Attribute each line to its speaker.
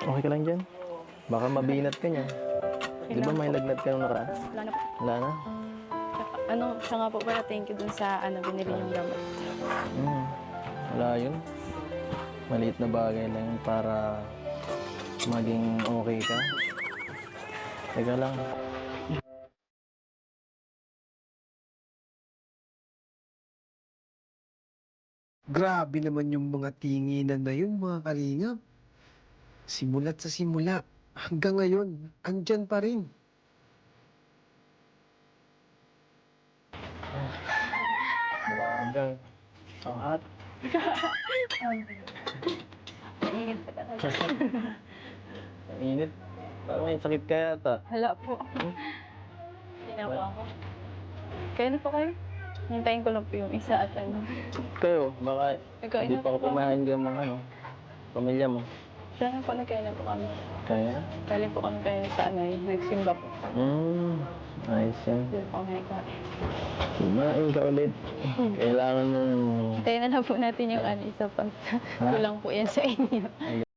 Speaker 1: Okay ka lang dyan? Baka mabinat ka niya. Di ba may lagnat ka nung nakaraan?
Speaker 2: Wala na po.
Speaker 1: Wala na?
Speaker 2: Siya nga po pala, thank you dun sa binili yung gamot.
Speaker 1: Wala yun. Maliit na bagay lang yun para maging okay ka. Teka lang.
Speaker 3: Grabe naman yung mga tinginan na yun, mga kalingap. Simula't sa simula, hanggang ngayon, andyan pa rin.
Speaker 1: Hanggang. Ang hot.
Speaker 2: Init pa talaga.
Speaker 1: Ang init. Parang may sakit ka yata.
Speaker 2: Hala po. Hindi na po ako. Kaya na po kayo? Hintayin ko lang po yung isa at
Speaker 1: Kayo, baka
Speaker 2: Nagkain
Speaker 1: hindi
Speaker 2: na
Speaker 1: pa ako
Speaker 2: po.
Speaker 1: kumain ka mga pamilya mo.
Speaker 2: Siya na po, nagkain na po kami.
Speaker 1: Kaya?
Speaker 2: Galing po kami kayo sa nagsimba po.
Speaker 1: Ayos yan.
Speaker 2: Doon po kami nagkain.
Speaker 1: Kumain ka ulit. Kailangan mo.
Speaker 2: Hintayin na lang po natin yung isa pang kulang po yan sa inyo.